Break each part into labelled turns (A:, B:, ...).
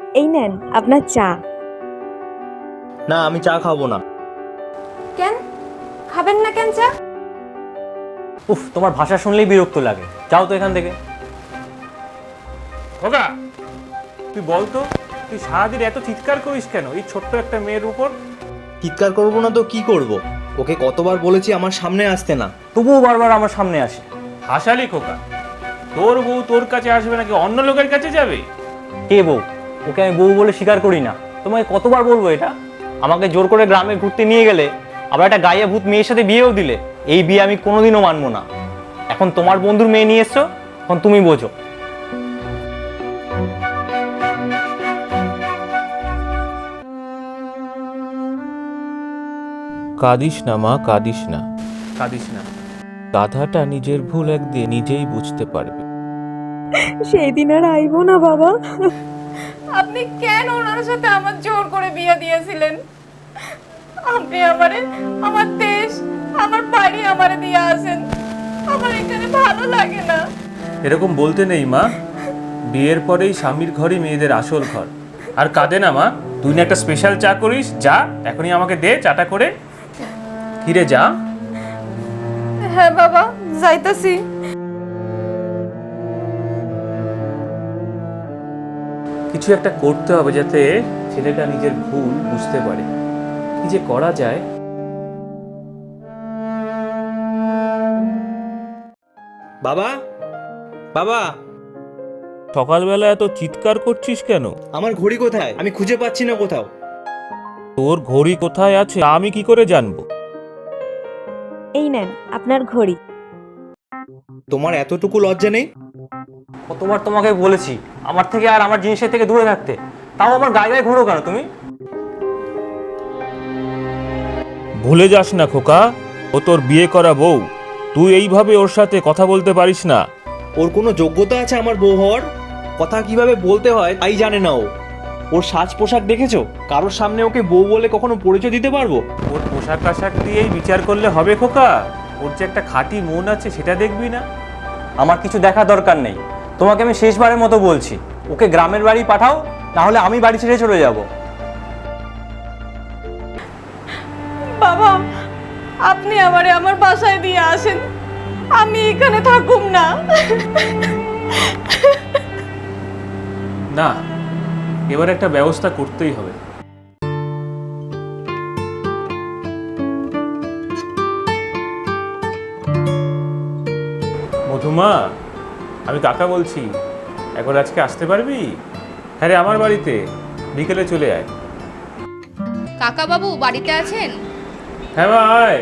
A: এই নেন আপনার চা।
B: না, আমি চা খাবো না।
A: কেন খাবেন না কেন চা?
C: উফ, তোমার ভাষা শুনলেই বিরক্ত লাগে। যাও তো এখান থেকে।
D: খোকা, তুই বল তো, তুই সারাদিন এত চিৎকার করিস কেন এই ছোট্ট একটা মেয়ের উপর?
B: চিৎকার করবো না তো কি করব? ওকে কতবার বলেছি আমার সামনে আসতে না।
C: তবুও বারবার আমার সামনে আসে।
D: হাসালি খোকা, তোর বউ তোর কাছে আসবে নাকি অন্য লোকের কাছে যাবে?
C: কে বউ? ওকে আমি বউ বলে স্বীকার করি না। তোমাকে কতবার বলবো এটা? আমাকে জোর করে গ্রামে ঘুরতে নিয়ে গেলে, আবার একটা গায়ে ভূত মেয়ের সাথে বিয়েও দিলে, এই বিয়ে আমি কোনোদিনও মানবো না। এখন তোমার বন্ধুর মেয়ে নিয়ে এসছো, এখন তুমি বোঝো।
E: কাঁদিস না মা, কাঁদিস না।
D: কাঁদিস না।
E: গাধাটা নিজের ভুল একদিন নিজেই বুঝতে পারবে।
A: সেই দিন আর আইবো না বাবা।
F: আপনি কেন ওনার সাথে আমার জোর করে বিয়ে দিয়েছিলেন? আপনি আমারে আমার দেশ, আমার বাড়ি আমারে দিয়ে আসেন। আমার এখানে ভালো লাগে না।
D: এরকম বলতে নেই মা, বিয়ের পরেই স্বামীর ঘরই মেয়েদের আসল ঘর। আর কাঁদে না মা, তুই না একটা স্পেশাল চা করিস, যা এখনই আমাকে দে চাটা করে। ফিরে যা।
F: হ্যাঁ বাবা, যাইতাছি।
D: কিছু একটা করতে হবে যাতে ছেলেটা নিজের ভুল বুঝতে পারে। কি যে করা যায়।
B: বাবা, বাবা,
E: সকালবেলা এত চিৎকার করছিস কেন?
B: আমার ঘড়ি কোথায়? আমি খুঁজে পাচ্ছি না কোথাও।
E: তোর ঘড়ি কোথায় আছে আমি কি করে জানবো?
A: এই নেন আপনার ঘড়ি।
B: তোমার এতটুকু লজ্জা নেই?
C: কতবার তোমাকে বলেছি আমার থেকে আর আমার জিনিসের থেকে দূরে থাকতে, তাও আমার গায়ে গায়ে ঘোরো কেন তুমি?
E: ভুলে যাস না খোকা, ও তোর বিয়ে করা বউ। তুই এইভাবে ওর সাথে কথা বলতে পারিস না।
B: ওর কোনো যোগ্যতা আছে আমার বউ হওয়ার? কথা কিভাবে বলতে হয় তাই জানে না ও। ওর সাজ পোশাক দেখেছো? কারোর সামনে ওকে বউ বলে কখনো পরিচয় দিতে পারবো?
D: ওর পোশাক আশাক দিয়েই বিচার করলে হবে খোকা? ওর যে একটা খাঁটি মন আছে সেটা দেখবি না?
C: আমার কিছু দেখা দরকার নেই। তোমাকে আমি শেষবারের মতো বলছি, ওকে গ্রামের বাড়ি পাঠাও, না হলে আমি বাড়ি ছেড়ে চলে যাব।
F: বাবা, আপনি আমারে আমার বাসায় দিয়ে আসেন। আমি এখানে থাকুম না।
D: না, এবার একটা ব্যবস্থা করতেই হবে। মধুমা, আমি কাকা বলছি। একবার আজকে আসতে পারবি? হ্যাঁ রে, আমার বাড়িতে বিকেলে চলে আয়।
G: কাকা বাবু বাড়িতে আছেন?
D: হ্যাঁ মা, আয়।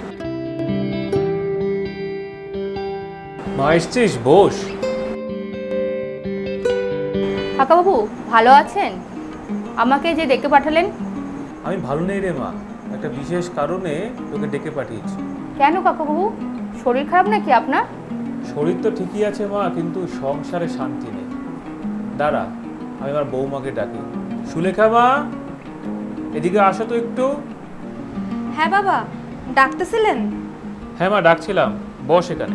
D: মা এসছিস, বস।
G: কাকা বাবু ভালো আছেন? আমাকে যে ডেকে পাঠালেন?
D: আমি ভালো নেই রে মা, একটা বিশেষ কারণে তোকে ডেকে পাঠিয়েছি।
G: কেন কাকা বাবু, শরীর খারাপ নাকি আপনার?
D: শরীর তো ঠিকই আছে মা, কিন্তু সংসারে শান্তি নেই। দাঁড়া, আমি আমার বৌমাকে ডাকি। সুলেখা মা, এদিকে আসো তো একটু।
A: হ্যাঁ বাবা, ডাকতেছিলেন?
D: হ্যাঁ মা, ডাকছিলাম, বস এখানে।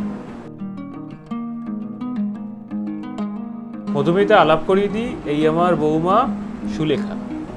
D: মধুমিতা আলাপ করিয়ে দিই, এই আমার বৌমা সুলেখা।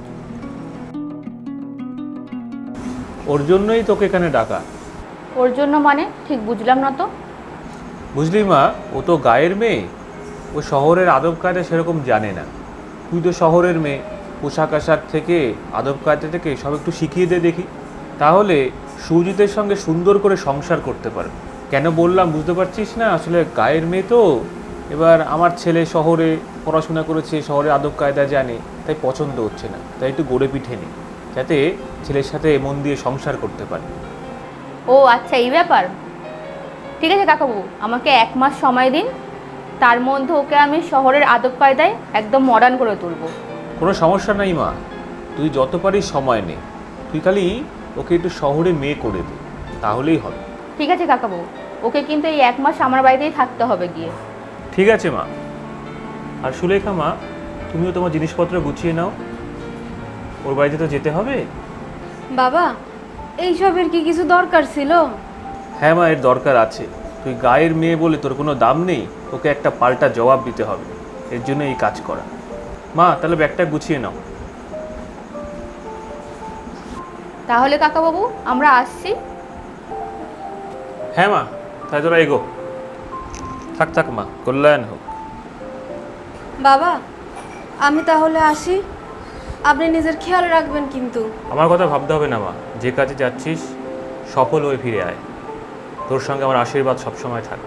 D: ওর জন্যই তোকে এখানে ডাকা।
G: ওর জন্য মানে ঠিক বুঝলাম না তো।
D: বুঝলি মা, ও তো গায়ের মেয়ে, ও শহরের আদব কায়দা সেরকম জানে না। তুই তো শহরের মেয়ে, পোশাক আশাক থেকে আদব কায়দা থেকে সব একটু শিখিয়ে দে দেখি, তাহলে সুজিতের সঙ্গে সুন্দর করে সংসার করতে পারবে। কেন বললাম বুঝতে পারছিস না? আসলে গায়ের মেয়ে তো, এবার আমার ছেলে শহরে পড়াশোনা করেছে, শহরে আদব কায়দা জানে, তাই পছন্দ হচ্ছে না। তাই একটু গড়ে পিঠে নিই, যাতে ছেলের সাথে মন দিয়ে সংসার করতে পারে।
G: ও আচ্ছা, এই ব্যাপার। ঠিক আছে কাকাবাবু, আমাকে 1 মাস সময় দিন, তার মধ্যে ওকে আমি শহরের আদব কায়দায় একদম মডার্ন করে তুলব।
D: কোনো সমস্যা নাই মা, তুই যত পারিস সময় নে। তুই খালি ওকে একটু শহরে মেয়ে করে দে, তাহলেই হবে।
G: ঠিক আছে কাকাবাবু, ওকে কিন্তু এই 1 মাস আমার বাড়িতেই থাকতে হবে গিয়ে।
D: ঠিক আছে মা। আর সুলেখা মা, তুমিও তোমার জিনিসপত্র গুছিয়ে নাও, ওর বাড়িতে তো যেতে হবে।
F: বাবা, এইসবের কি কিছু দরকার ছিল?
D: হ্যাঁ মা, এর দরকার আছে। তুই গায়ের মেয়ে বলে তোর কোনো দাম নেই, ওকে একটা পাল্টা জবাব দিতে হবে, এর জন্য এই কাজ করা। মা তাহলে ব্যাগটা গুছিয়ে নাও।
G: তাহলে কাকাবাবু আমরা আসছি।
D: হ্যাঁ মা, তাই তোরা এগো। থাক থাক মা, কল্যাণ হোক।
A: বাবা আমি তাহলে আসি, আপনি নিজের খেয়াল রাখবেন কিন্তু।
D: আমার কথা ভাবতে হবে না মা, যে কাজে যাচ্ছিস সফল হয়ে ফিরে আয়। তোর সঙ্গে আমার আশীর্বাদ সবসময় থাক।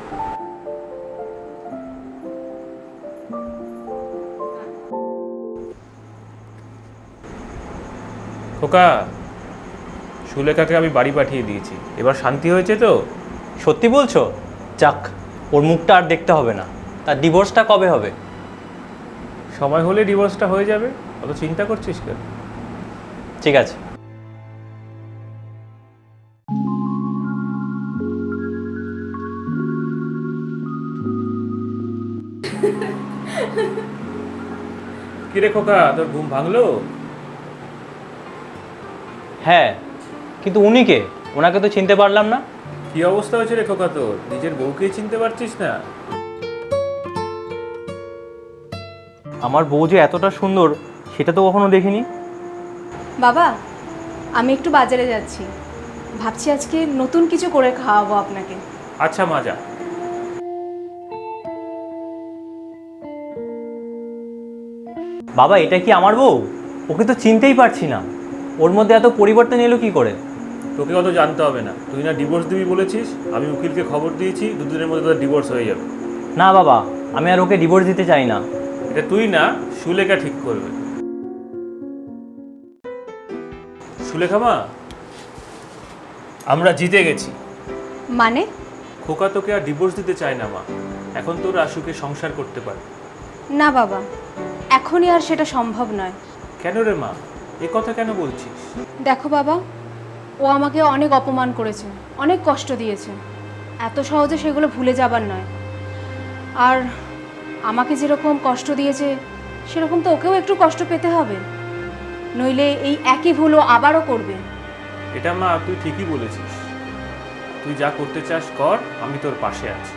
D: খোকা, সুলেখাকে আমি বাড়ি পাঠিয়ে দিয়েছি, এবার শান্তি হয়েছে তো?
C: সত্যি বলছো? যাক, ওর মুখটা আর দেখতে হবে না। তার ডিভোর্সটা কবে হবে?
D: সময় হলে ডিভোর্সটা হয়ে যাবে, অত চিন্তা করছিস কেন?
C: ঠিক আছে।
D: কিরে খোকা, তোর ঘুম ভাঙলো?
C: হ্যাঁ, কিন্তু উনি কে? ওনাকে তো চিনতে পারলাম না।
D: কি অবস্থা হয়েছে রে খোকা তোর? নিজের বউকেই চিনতে পারছিস না?
C: আমার বউ যে এতটা সুন্দর সেটা তো কখনো দেখিনি।
A: বাবা আমি একটু বাজারে যাচ্ছি, ভাবছি আজকে নতুন কিছু করে খাওয়াবো আপনাকে।
D: আচ্ছা মা, যা।
C: বাবা এটা কি আমার বউ? ওকে তো চিনতেই পারছি না। ওর মধ্যে এত পরিবর্তন এলো কি করে?
D: তোকে অত জানতে হবে না, তুই না ডিভোর্স দিবি বলেছিস, আমি উকিলকে খবর দিয়েছি, দুদিনের মধ্যে তোর ডিভোর্স হয়ে যাবে।
C: না বাবা, আমি আর ওকে ডিভোর্স দিতে চাই না।
D: এটা তুই না, সুলেখা ঠিক করবে। সুলেখা মা, আমরা জিতে গেছি।
A: মানে?
D: খোকা তোকে আর ডিভোর্স দিতে চায় না মা, এখন তোরা সুখে সংসার করতে পারে।
A: না বাবা, এখনই আর সেটা সম্ভব নয়।
D: কেন রে মা, এ কথা কেন বলছিস?
A: দেখো বাবা, ও আমাকে অনেক অপমান করেছে, অনেক কষ্ট দিয়েছে, এত সহজে সেগুলো ভুলে যাবার নয়। আর আমাকে যেরকম কষ্ট দিয়েছে সেরকম তো ওকেও একটু কষ্ট পেতে হবে, নইলে এই একই ভুল ও আবারও করবে।
D: এটা মা তুই ঠিকই বলেছিস, তুই যা করতে চাস কর, আমি তোর পাশে আছি।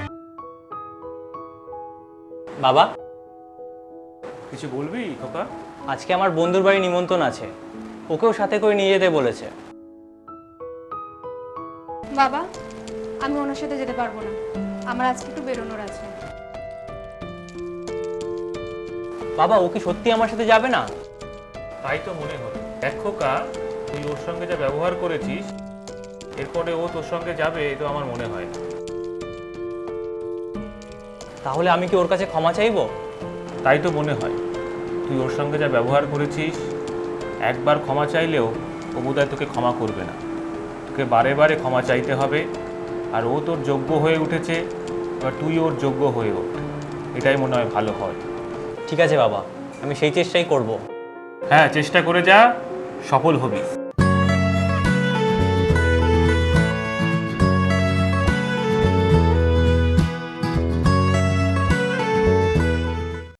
C: বাবা,
D: কিছু বলবি খোকা?
C: আজকে আমার বন্ধুর বাড়ি নিমন্ত্রণ আছে, ওকেও সাথে করে নিয়ে যেতে বলেছে।
A: বাবা আমি ওনার সাথে যেতে পারবো না, আমার আজকে একটু বেরোনোর আছে।
C: বাবা ও কি সত্যি আমার সাথে যাবে না?
D: তাই তো মনে হলো। দেখ খোকা, তুই ওর সঙ্গে যা ব্যবহার করেছিস, এরপরে ও তোর সঙ্গে যাবে এ তো আমার মনে হয় না।
C: তাহলে আমি কি ওর কাছে ক্ষমা চাইবো?
D: তাই তো মনে হয়, তুই ওর সঙ্গে যা ব্যবহার করেছিস, একবার ক্ষমা চাইলেও ও বোধহয় তোকে ক্ষমা করবে না। তোকে বারে বারে ক্ষমা চাইতে হবে, আর ও তোর যোগ্য হয়ে উঠেছে, এবার তুই ওর যোগ্য হয়ে ওঠ, এটাই মনে হয় ভালো হয়।
C: ঠিক আছে বাবা, আমি সেই চেষ্টাই করব।
D: হ্যাঁ, চেষ্টা করে যা, সফল হবি।